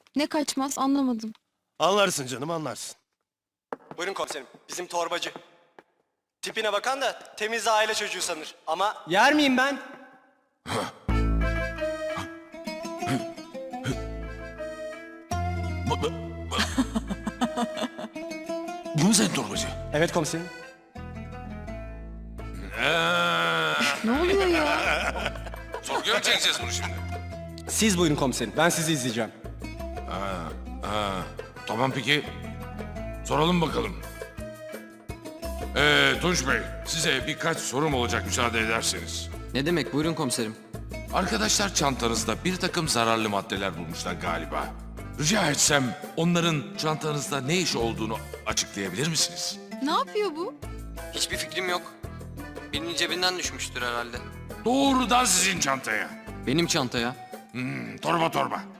Ne kaçmaz anlamadım. Anlarsın canım, anlarsın. Buyurun komiserim. Bizim torbacı. Tipine bakan da temiz aile çocuğu sanır. Ama yer miyim ben? Bu mu senin torbacı? Evet komiserim. Ne oluyor ya? Sorguya mı çekeceğiz bunu şimdi? Siz buyurun komiserim. Ben sizi izleyeceğim. Tamam peki. Soralım bakalım. Tunç Bey, size birkaç sorum olacak müsaade ederseniz. Ne demek? Buyurun komiserim. Arkadaşlar çantanızda bir takım zararlı maddeler bulmuşlar galiba. Rica etsem onların çantanızda ne iş olduğunu açıklayabilir misiniz? Ne yapıyor bu? Hiçbir fikrim yok. Birinin cebinden düşmüştür herhalde. Doğrudan sizin çantaya. Benim çantaya. Torba torba.